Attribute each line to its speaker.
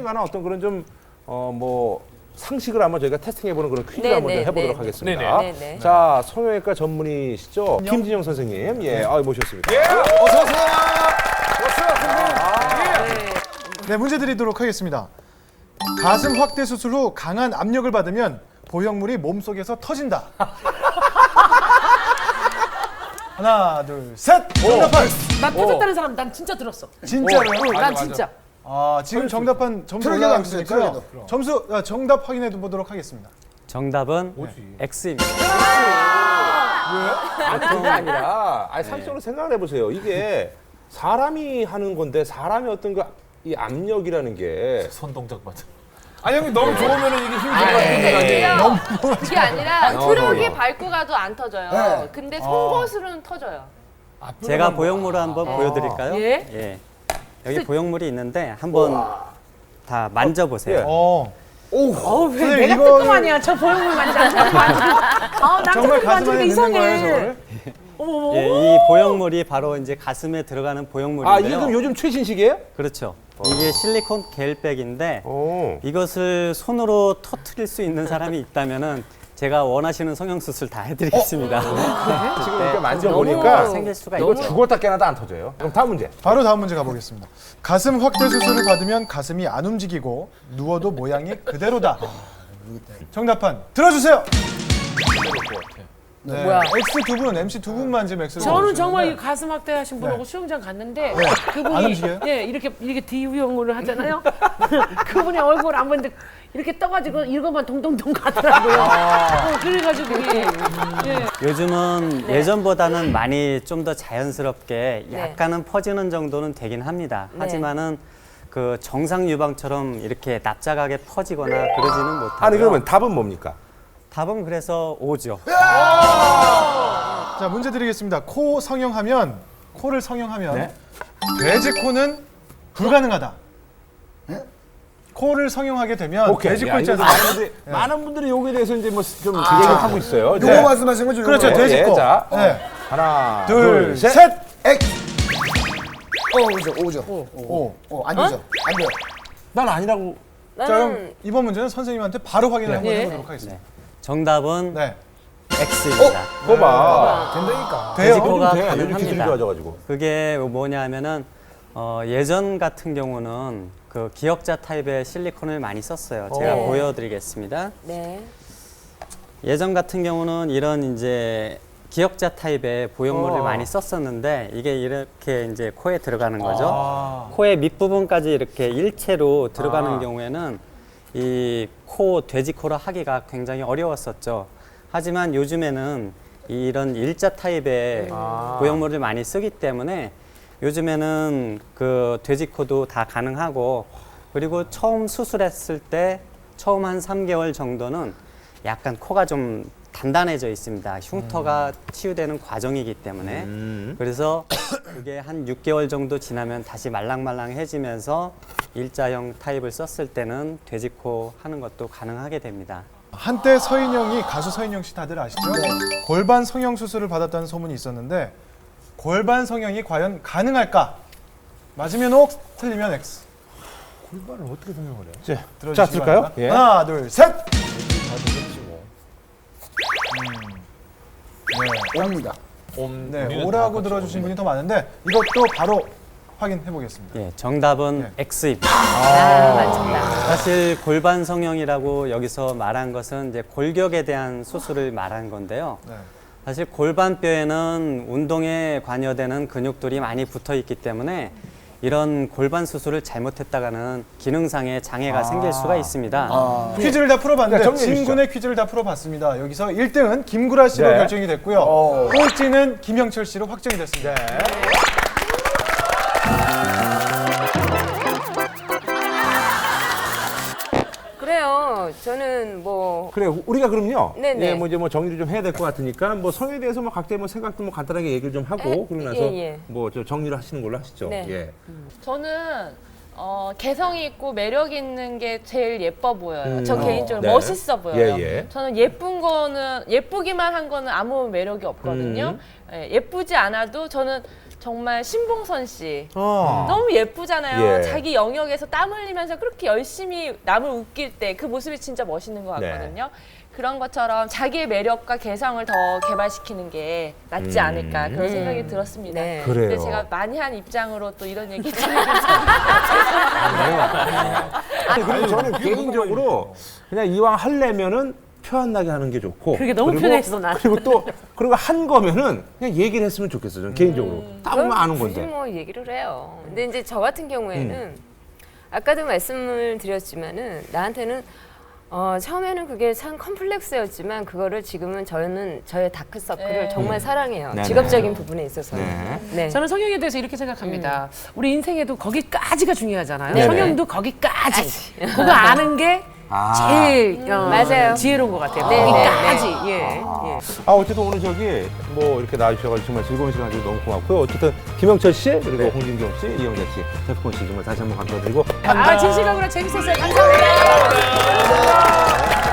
Speaker 1: 만한 어떤 그런 좀 뭐 상식을 한번 저희가 테스팅해보는 그런 퀴즈를 한번 좀 해보도록 하겠습니다.
Speaker 2: 네네.
Speaker 1: 자, 성형외과 전문의시죠? 김진영 선생님, 모셨습니다.
Speaker 3: 어서 오세요.
Speaker 4: 네, 문제 드리도록 하겠습니다. 가슴 확대 수술 후 강한 압력을 받으면 보형물이 몸속에서 터진다. 하나, 둘, 셋! 정답판!
Speaker 2: 난 터졌다는 사람 난 진짜 들었어.
Speaker 4: 진짜로요?
Speaker 2: 난 진짜.
Speaker 4: 지금 정답판 점수
Speaker 3: 트럭에도 안
Speaker 4: 올라가셨으니까요.
Speaker 3: 써요, 트럭에도.
Speaker 4: 점수, 정답 확인해 보도록 하겠습니다.
Speaker 5: 정답은 X입니다.
Speaker 1: 아니, 그게 아니라, 상식적으로 생각을 해보세요. 이게 사람이 하는 건데, 사람의 어떤 이 압력이라는 게.
Speaker 6: 손 동작 맞아. 아니 형님 너무 좋으면은 이게 힘들 것 같은데.
Speaker 7: 그게 아니라 트럭이
Speaker 1: 예.
Speaker 7: 밟고 가도 안 터져요.
Speaker 3: 네.
Speaker 7: 근데 송곳으로는 터져요.
Speaker 5: 제가 보형물을 한번 보여드릴까요?
Speaker 2: 예.
Speaker 5: 여기 보형물이 있는데 한번 다 만져보세요.
Speaker 2: 왜
Speaker 4: 선생님,
Speaker 2: 내가
Speaker 4: 이거는-
Speaker 2: 뜨끔하냐? 저 보형물 만져. 난
Speaker 4: 정말
Speaker 2: 뜨끔
Speaker 4: 가슴 안에
Speaker 2: 만지는 게
Speaker 4: 있는 건가요,
Speaker 2: 이상해.
Speaker 4: 저거를?
Speaker 5: 예, 이 보형물이 바로 이제 가슴에 들어가는 보형물인데요.
Speaker 1: 이게 그럼 요즘 최신식이에요?
Speaker 5: 그렇죠. 이게 실리콘 겔백인데
Speaker 1: 오.
Speaker 5: 이것을 손으로 터트릴 수 있는 사람이 있다면은 제가 원하시는 성형 수술 다 해드리겠습니다.
Speaker 1: 지금 이렇게 만져보니까
Speaker 5: 생길 수가
Speaker 1: 이거
Speaker 5: 있죠.
Speaker 1: 죽었다 깨나도 안 터져요. 그럼 다음 문제.
Speaker 4: 바로 다음 문제 가보겠습니다. 가슴 확대 수술을 받으면 가슴이 안 움직이고 누워도 모양이 그대로다. 정답판 들어주세요. 네.
Speaker 2: 뭐야?
Speaker 4: X 두 분, MC 두 분만 지금 X를
Speaker 2: 저는
Speaker 4: 넣어주시는데
Speaker 2: 정말 이 가슴 확대하신 분하고 수영장 갔는데 그분이
Speaker 4: 안 움직여요?
Speaker 2: 이렇게 D형으로 하잖아요. 그분의 얼굴 안 보는데 이렇게 떠가지고 이것만 동동동 가더라고요. 그래가지고
Speaker 5: 요즘은 예전보다는 많이 좀 더 자연스럽게
Speaker 7: 네.
Speaker 5: 약간은 퍼지는 정도는 되긴 합니다. 하지만은 그 정상 유방처럼 이렇게 납작하게 퍼지거나 그러지는 못하고요.
Speaker 1: 아니, 그러면 답은 뭡니까?
Speaker 5: 답은 그래서 O죠.
Speaker 4: 자, 문제 드리겠습니다. 코를 성형하면 돼지 코는 불가능하다. 코를 성형하게 되면 돼지 코 있지 않습니까?
Speaker 1: 많은 분들이 여기에 대해서 이제 뭐 좀 얘기를 하고 있어요.
Speaker 3: 요거 말씀하신 거죠?
Speaker 4: 그렇죠,
Speaker 3: 요거.
Speaker 4: 돼지 코.
Speaker 1: 자,
Speaker 4: 네.
Speaker 1: 하나,
Speaker 4: 둘,
Speaker 1: 둘, 셋.
Speaker 4: 셋!
Speaker 3: 오죠. 안 되죠. 안 돼요.
Speaker 1: 난 아니라고.
Speaker 4: 자, 그럼 이번 문제는 선생님한테 바로 확인을 한번 해보도록 하겠습니다.
Speaker 5: 정답은
Speaker 4: 네.
Speaker 5: X입니다.
Speaker 1: 거봐.
Speaker 3: 된다니까.
Speaker 4: 돼요?
Speaker 5: 돼지코가
Speaker 1: 요즘 기술이
Speaker 5: 가능합니다.
Speaker 1: 좋아져가지고.
Speaker 5: 그게 뭐냐 하면은 예전 같은 경우는 그 기역자 타입의 실리콘을 많이 썼어요. 제가 보여드리겠습니다.
Speaker 7: 네.
Speaker 5: 예전 같은 경우는 이런 이제 기역자 타입의 보형물을 많이 썼었는데 이게 이렇게 이제 코에 들어가는 거죠. 코의 밑부분까지 이렇게 일체로 들어가는 경우에는 이 돼지코를 하기가 굉장히 어려웠었죠. 하지만 요즘에는 이런 일자 타입의 보형물을 많이 쓰기 때문에 요즘에는 그 돼지코도 다 가능하고 그리고 처음 수술했을 때 처음 한 3개월 정도는 약간 코가 좀 단단해져 있습니다. 흉터가 치유되는 과정이기 때문에 그래서 그게 한 6개월 정도 지나면 다시 말랑말랑해지면서 일자형 타입을 썼을 때는 돼지코 하는 것도 가능하게 됩니다.
Speaker 4: 한때 서인영이 가수 서인영 씨 다들 아시죠? 골반 성형 수술을 받았다는 소문이 있었는데 골반 성형이 과연 가능할까? 맞으면 O, 틀리면 X.
Speaker 1: 골반을 어떻게 성형을 해요?
Speaker 4: 들어주시기
Speaker 1: 자, 들까요?
Speaker 4: 바랍니다.
Speaker 1: 예.
Speaker 4: 하나, 둘, 셋.
Speaker 3: 옵니다.
Speaker 4: 네, O라고 들어주신 분이 더 많은데 이것도 바로 확인해 보겠습니다.
Speaker 5: 예, 정답은 X입니다.
Speaker 7: 맞습니다.
Speaker 5: 사실 골반 성형이라고 여기서 말한 것은 이제 골격에 대한 수술을 말한 건데요.
Speaker 4: 네.
Speaker 5: 사실 골반뼈에는 운동에 관여되는 근육들이 많이 붙어 있기 때문에 이런 골반 수술을 잘못했다가는 기능상의 장애가 생길 수가 있습니다.
Speaker 4: 퀴즈를 다 풀어봤는데
Speaker 1: 그러니까 정리해
Speaker 4: 진군의 퀴즈를 다 풀어봤습니다. 여기서 1등은 김구라 씨로
Speaker 1: 네.
Speaker 4: 결정이 됐고요. 꼴찌는 김영철 씨로 확정이 됐습니다.
Speaker 7: 그래요. 저는 뭐
Speaker 1: 그래, 우리가 그럼요.
Speaker 7: 네네.
Speaker 1: 예, 뭐 이제 뭐 정리를 좀 해야 될 것 같으니까 뭐 성에 대해서 뭐 각자의 뭐 생각도 뭐 간단하게 얘기를 좀 하고 그러고 나서
Speaker 7: 예.
Speaker 1: 뭐 저 정리를 하시는 걸로 하시죠.
Speaker 7: 네.
Speaker 1: 예.
Speaker 7: 저는 개성이 있고 매력 있는 게 제일 예뻐 보여요. 저 개인적으로
Speaker 1: 네.
Speaker 7: 멋있어 보여요.
Speaker 1: 예.
Speaker 7: 저는 예쁘기만 한 거는 아무 매력이 없거든요. 예쁘지 않아도 저는 정말 신봉선 씨.
Speaker 1: 어.
Speaker 7: 너무 예쁘잖아요.
Speaker 1: 예.
Speaker 7: 자기 영역에서 땀 흘리면서 그렇게 열심히 남을 웃길 때 그 모습이 진짜 멋있는 것
Speaker 1: 네.
Speaker 7: 같거든요. 그런 것처럼 자기의 매력과 개성을 더 개발시키는 게 낫지 않을까 그런 생각이 들었습니다.
Speaker 2: 네.
Speaker 1: 그래요.
Speaker 7: 근데 제가 많이 한 입장으로 또 이런 얘기 드리면
Speaker 1: 아니, 그리고 저는 개인적으로 그냥 이왕 하려면은 표 안 나게 하는 게 좋고.
Speaker 2: 그게 너무
Speaker 1: 그리고-
Speaker 2: 편해서 나는.
Speaker 1: 그리고 한 거면은 그냥 얘기를 했으면 좋겠어요. 저는 개인적으로. 딱 보면 아는
Speaker 8: 굳이
Speaker 1: 건데.
Speaker 8: 뭐 얘기를 해요. 근데 이제 저 같은 경우에는 아까도 말씀을 드렸지만은 나한테는 처음에는 그게 참 컴플렉스였지만 그거를 지금은 저는 저의 다크서클을 정말 사랑해요.
Speaker 1: 네네.
Speaker 8: 직업적인 부분에 있어서는.
Speaker 1: 네.
Speaker 8: 네.
Speaker 2: 저는 성형에 대해서 이렇게 생각합니다. 우리 인생에도 거기까지가 중요하잖아요.
Speaker 1: 네네.
Speaker 2: 성형도 거기까지. 그거 아는 게 제일
Speaker 8: 맞아요.
Speaker 2: 지혜로운 것 같아요.
Speaker 8: 네,
Speaker 2: 거기까지. 예. 예.
Speaker 1: 어쨌든 오늘 저기 뭐 이렇게 나와주셔가지고 정말 즐거운 시간 주셔서 너무 고맙고요. 어쨌든 김영철 씨 그리고 홍진경 씨, 이영자 씨, 태프콘 씨 정말 다시 한번 감사드리고.
Speaker 2: 진실감으로 재밌었어요. 감사합니다.